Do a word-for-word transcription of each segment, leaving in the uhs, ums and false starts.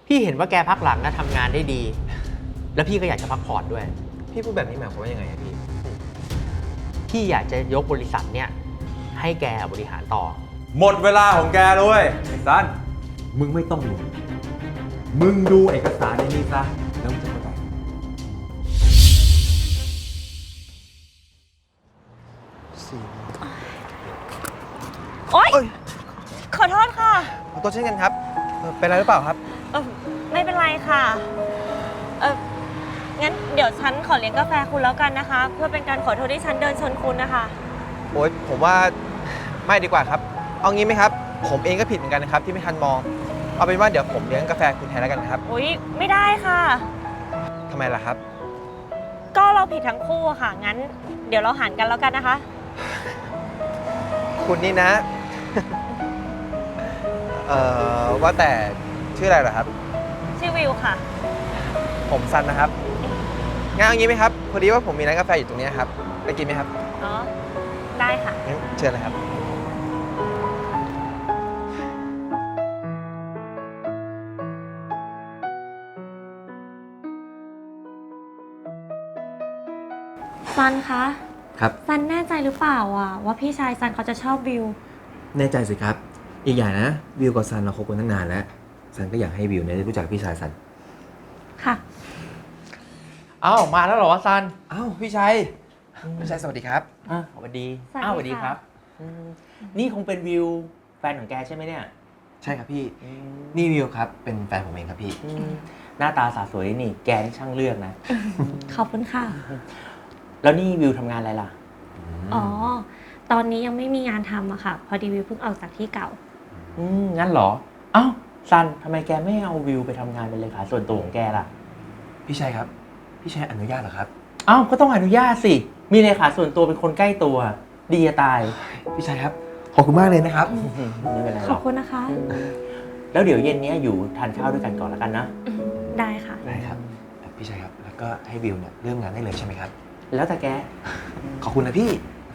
พี่เห็นว่าแกพักหลังนะทำงานได้ดี แล้วพี่ก็อยากจะพักผ่อนด้วยพี่พูดแบบนี้หมายความว่ายังไงอะพี่พี่อยากจะยกบริษัทเนี่ยให้แกบริหารต่อหมดเวลาของแกแล้วเว้ยไอ้ซันมึงไม่ต้องห่วงมึงดูเอกสารในนี้ซะแล้วมึงจะเข้าใจโอ๊ยเอ้ยขอโทษค่ะขอโทษเช่นกันครับเอ่อเป็นอะไรหรือเปล่าครับเออไม่เป็นไรค่ะ เอองั้นเดี๋ยวฉันขอเลี้ยงกาแฟคุณแล้วกันนะคะ เพื่อเป็นการขอโทษที่ฉันเดินชนคุณนะคะโอ๊ยผมว่าไม่ดีกว่าครับ เอางี้ไหมครับ ผมเองก็ผิดเหมือนกันนะครับที่ไม่ทันมอง เอาเป็นว่าเดี๋ยวผมเลี้ยงกาแฟคุณแทนแล้วกันนะครับอุ๊ย ไม่ได้ค่ะทำไมล่ะครับก็เราผิดทั้งคู่อะค่ะ งั้นเดี๋ยวเราหารกันแล้วกันนะคะคุณนี่นะ เอ่อว่าแต่ชื่ออะไรเหรอครับชื่อวิวค่ะผมซันนะครับงั้นเอางี้ไหมครับ พอดีว่าผมมีร้านกาแฟอยู่ตรงนี้ครับ ไปกินไหมครับอ๋อ ได้ค่ะงั้นเชิญเลยครับซันคะครับซันแน่ใจหรือเปล่าอะว่าพี่ชายซันเขาจะชอบวิวแน่ใจสิครับ อีกอย่างนะวิวกับซันเราคบกันตั้งนานแล้วซันก็อยากให้วิวเนี่ยได้รู้จักพี่ชายซันค่ะเอ้ามาแล้วเหรอวะซันอ้าวพี่ชัยพี่ชัยสวัสดีครับอ่ะสวัสดีสวัสดีอ้าวสวัสดีค่ะครับอืมนี่คงเป็นวิวแฟนของแกใช่ไหมเนี่ยใช่ครับพี่อืมนี่วิวครับเป็นแฟนผมเองครับพี่อืมหน้าตาสาสวยนี่แกนี่ช่างเลือกนะขอบคุณค่ะแล้วนี่วิวทำงานอะไรล่ะอ๋อ ตอนนี้ยังไม่มีงานทำอะค่ะ พอดีวิวเพิ่งออกจากที่เก่าอืมงั้นเหรอ เอ้าซันทำไมแกไม่เอาวิวไปทำงานเป็นเลขาส่วนตัวของแกล่ะพี่ชัยครับพี่ชัยอนุญาตเหรอครับเอ้าก็ต้องอนุญาตสิ มีเลขาส่วนตัวเป็นคนใกล้ตัว ดีจะตายพี่ชัยครับขอบคุณมากเลยนะครับไม่เป็นไรหขรออบ กคุณนะคะแล้วเดี๋ยวเย็นนี้อยู่ทานข้าวด้วยกันก่อนแล้วกันนะได้ค่ะได้ครับพี่ชัยครับแล้วก็ให้วิวเนี่ยเริ่มงานได้เลยใช่ไหมครับแล้วแต่แกขอบคุณนะพี่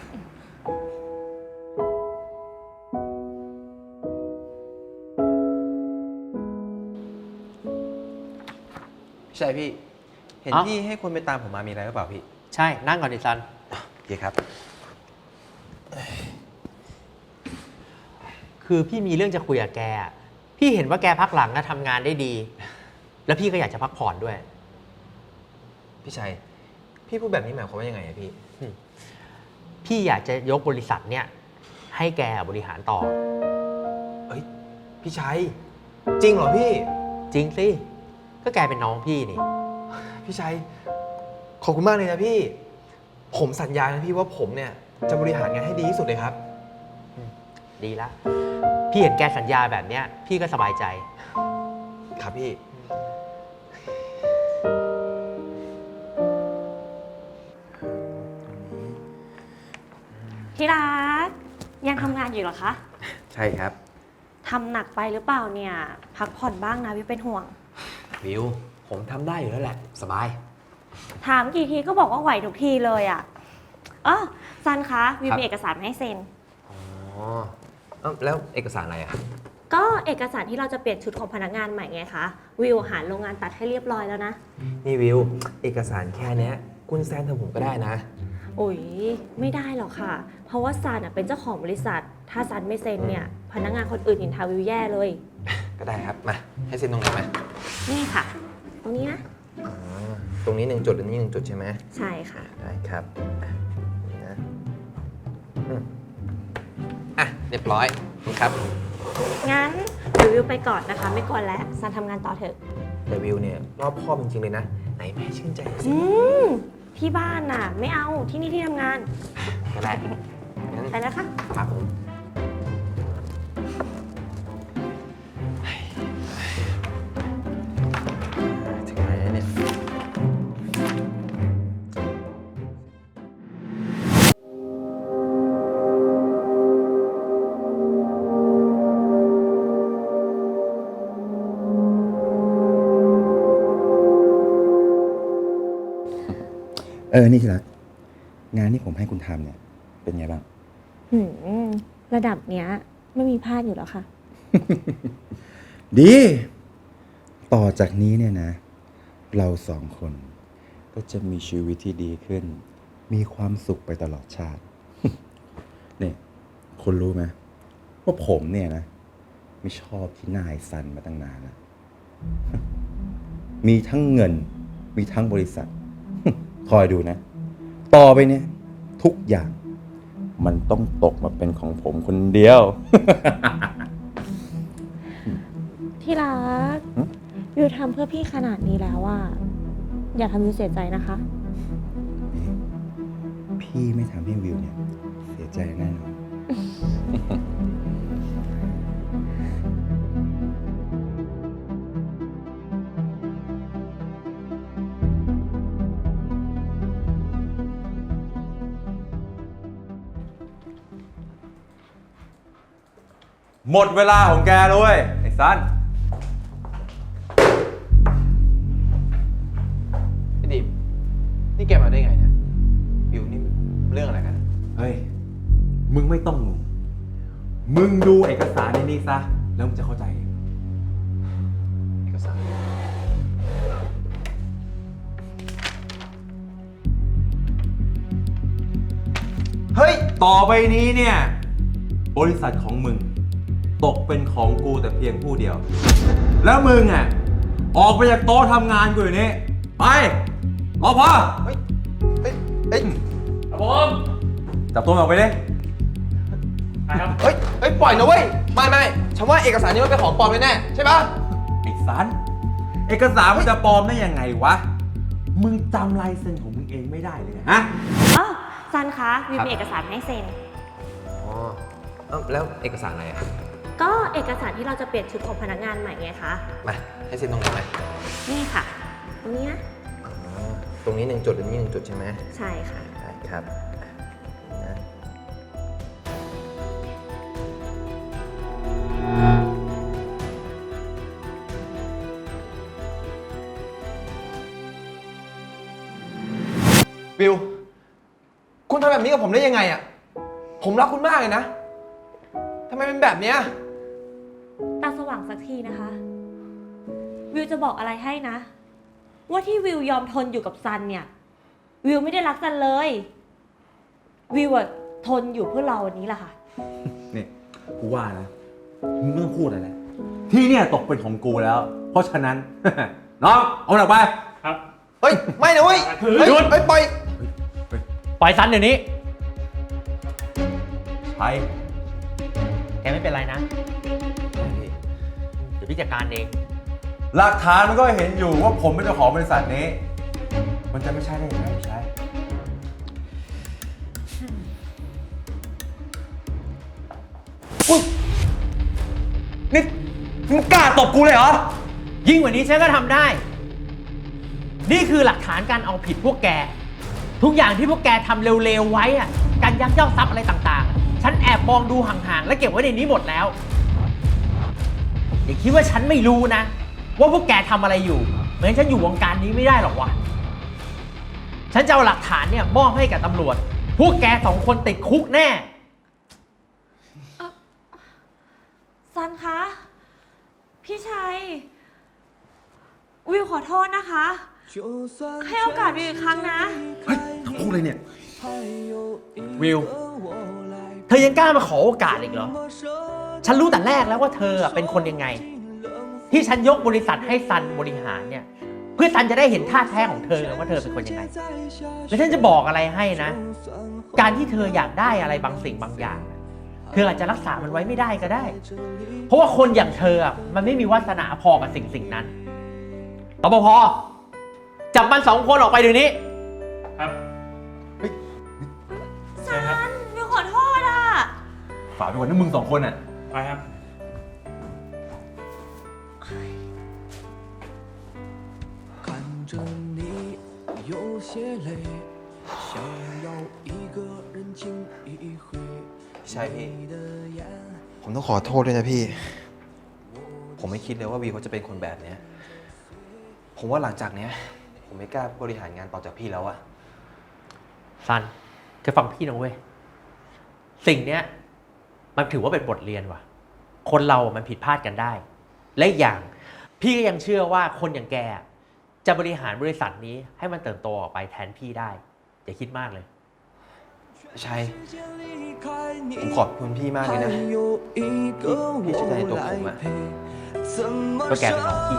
พี่ชัยพี่ เห็นเอ้าพี่ให้คนไปตามผมมามีอะไรหรือเปล่าพี่ใช่นั่งก่อนดิซันโอเคครับคือพี่มีเรื่องจะคุยกับแกอะพี่เห็นว่าแกพักหลังนะทำงานได้ดี แล้วพี่ก็อยากจะพักผ่อนด้วยพี่ชัย พี่พูดแบบนี้หมายความว่ายังไงอะพี่พี่อยากจะยกบริษัทเนี่ยให้แกบริหารต่อเอ้ย พี่ชัย จริงเหรอพี่จริงสิ ก็แกเป็นน้องพี่นี่พี่ชัย ขอบคุณมากเลยนะพี่ ผมสัญญานะพี่ว่าผมเนี่ยจะบริหารงานให้ดีที่สุดเลยครับดีละ พี่เห็นแกสัญญาแบบเนี้ย พี่ก็สบายใจครับพี่ที่รักยังทำงานอยู่เหรอคะใช่ครับทำหนักไปหรือเปล่าเนี่ย พักผ่อนบ้างนะวิวเป็นห่วงวิวผมทำได้อยู่แล้วแหละสบายถามกี่ทีก็บอกว่าไหวทุกทีเลยอ่ะเออซันคะวิวครับมีเอกสารมาให้เซ็นอ๋อเอ้าแล้วเอกสารอะไรอ่ะก็เอกสารที่เราจะเปลี่ยนชุดของพนักงานใหม่ไงคะ วิวหาโรงงานตัดให้เรียบร้อยแล้วนะนี่วิวเอกสารแค่เนี้ยคุณแซนทำผมก็ได้นะอุ๋ยไม่ได้หรอกค่ะ เพราะว่าซันอะเป็นเจ้าของบริษัท ถ้าซันไม่เซ็นเนี่ยพนักงานคนอื่นนินทาวิวแย่เลยก็ได้ครับ มาให้เซ็นตรงไหนไหมนี่ค่ะ ตรงนี้นะอ๋อตรงนี้หนึ่งจุดอันนี้หนึ่งจุดใช่ไหมใช่ค่ะได้ครับอ่ะนี่นะอืมอ่ะ เรียบร้อยนี่ครับงั้นเดี๋ยววิวไปก่อนนะคะ ไม่กวนแล้วซันทำงานต่อเถอะแต่วิวเนี่ยรอบคอบจริงๆเลยนะ ไหนแม่ชื่นใจหน่อยสิอืมที่บ้านน่ะ ไม่เอาที่นี่ที่ทำงานก็ได้งั้นไปแล้วค่ะครับผมถึงไหนแล้วเนี่ยเออ นี่ทีละงานที่ผมให้คุณทำเนี่ย เป็นไงบ้างหืมระดับเนี้ยไม่มีพลาดอยู่แล้วค่ะดีต่อจากนี้เนี่ยนะ เราสองคนก็จะมีชีวิตที่ดีขึ้น มีความสุขไปตลอดชาติ เนี่ยคุณรู้ไหมว่าผมเนี่ยนะ ไม่ชอบที่นายซันมาตั้งนานแล้ว มีทั้งเงิน มีทั้งบริษัท คอยดูนะ ต่อไปเนี่ย ทุกอย่าง มันต้องตกมาเป็นของผมคนเดียวที่รักหึวิวทำเพื่อพี่ขนาดนี้แล้วอะอย่าทำวิวเสียใจนะคะพี่ไม่ทำให้วิวเนี่ย เสียใจแน่นอนหมดเวลาของแกแล้วเว้ยไอ้ซันพี่ดิมนี่แกมาได้ไงเนี่ยวิวนี่เรื่องอะไรกันเฮ้ย มึงไม่ต้องงงมึงดูเอกสารในนี้ซะ แล้วมึงจะเข้าใจเองเอกสาร เฮ้ยต่อไปนี้เนี่ย บริษัทของมึง ตกเป็นของกูแต่เพียงผู้เดียว แล้วมึงอ่ะ ออกไปจากโต๊ะทำงานกูอยู่นี่ ไป รอพอเฮ้ย เฮ้ย เฮ้ยครับผมจับตัวมันออกไปดิเฮ้ย เฮ้ย ปล่อยนะเว้ย ไม่ไม่ฉันว่าเอกสารนี้มันเป็นของปลอมแน่ๆใช่ปะไอ้สันเอกสารมันจะปลอมได้ยังไงวะ มึงจำลายเซ็นของมึงเองไม่ได้เลยไงฮะอ๋อซันคะวิวมีเอกสารให้เซ็นอ๋อเอ้าแล้วเอกสารอะไรอ่ะก็เอกสารที่เราจะเปลี่ยนชุดของพนักงานใหม่ไงคะมาให้เซ็นตรงนี้ไหมนี่ค่ะ ตรงนี้นะอ๋อตรงนี้หนึ่งจุดตรงนี้หนึ่งจุดใช่ไหมใช่ค่ะได้ครับนะวิว คุณทำแบบนี้กับผมได้ยังไงอ่ะ ผมรักคุณมากเลยนะ ทำไมเป็นแบบเนี้ยตาสว่างสักทีนะคะ วิวจะบอกอะไรให้นะ ว่าที่วิวยอมทนอยู่กับซันเนี่ย วิวไม่ได้รักซันเลย วิวอะทนอยู่เพื่อเราวันนี้แหละค่ะนี่กูว่านะ มึงไม่ต้องพูดอะไรแล้วที่เนี่ยตกเป็นของกูแล้ว เพราะฉะนั้น น้อง เอาหนักไปเฮ้ย ไม่นะเว้ย เฮ้ยหยุดเฮ้ยปล่อยปล่อยซันเดี๋ยวนี้ใช่แกไม่เป็นไรนะ เดี๋ยวพี่จัดการเองหลักฐานมันก็เห็นอยู่ว่าผมเป็นเจ้าของบริษัทนี้ มันจะไม่ใช่ได้ยังไงไม่ใช่อุ๊ยนี่มึงกล้าตบกูเลยเหรอยิ่งกว่านี้ฉันก็ทำได้ นี่คือหลักฐานการเอาผิดพวกแก ทุกอย่างที่พวกแกทำเร็วๆไว้อะการยักยอกทรัพย์อะไรต่างๆ ฉันแอบมองดูห่างๆ และเก็บไว้ในนี้หมดแล้วอย่าคิดว่าฉันไม่รู้นะ ว่าพวกแกทำอะไรอยู่เหมือนฉันอยู่วงการนี้ไม่ได้หรอกวะ ฉันจะเอาหลักฐานเนี่ยมอบให้กับตำรวจ พวกแกสองคนติดคุกแน่ซันคะ พี่ชัย วิวขอโทษนะคะ ให้โอกาสวิวอีกครั้งนะเฮ้ยทั้งคู่เลยเนี่ยวิว เธอยังกล้ามาขอโอกาสอีกเหรอ ฉันรู้แต่แรกแล้วว่าเธอเป็นคนยังไง ที่ฉันยกบริษัทให้ซันบริหารเนี่ย เพื่อซันจะได้เห็นท่าแท้ของเธอว่าเธอเป็นคนยังไง และฉันจะบอกอะไรให้นะ การที่เธออยากได้อะไรบางสิ่งบางอย่าง เธออาจจะรักษามันไว้ไม่ได้ก็ได้ เพราะว่าคนอย่างเธอมันไม่มีวาสนาพอกับสิ่งสิ่งนั้นตบพอจับมันสองคนออกไปเดี๋ยวนี้ซัน วิวขอโทษอ่ะฝากไปก่อนนะมึงสองคนอ่ะไปครับ看着你有些累，想要一个人静一会。 ใช่พี่你的眼ผมต้องขอโทษด้วยนะพี่ ผมไม่คิดเลยว่าวีเขาจะเป็นคนแบบเนี้ย ผมว่าหลังจากเนี้ย ผมไม่กล้าบริหารงานต่อจากพี่แล้วอะซันจะฟังพี่นะเว้ย สิ่งเนี้ยมันถือว่าเป็นบทเรียนว่ะ คนเรามันผิดพลาดกันได้ และอีกอย่างพี่ก็ยังเชื่อว่าคนอย่างแกจะบริหารบริษัทนี้ให้มันเติบโตออกไปแทนพี่ได้อย่าคิดมากเลยชัย ผมขอบคุณพี่มากเลยนะ พี่พี่ช่วยในตัวผมอะก็แกเป็นน้องพี่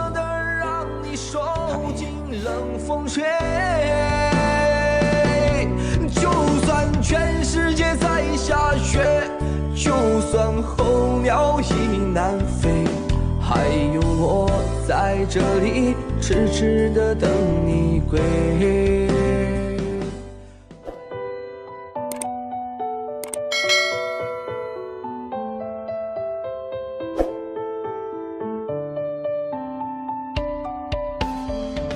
就算全世界在下雪，就算候鸟已南飞，还有我在这里痴痴的等你归。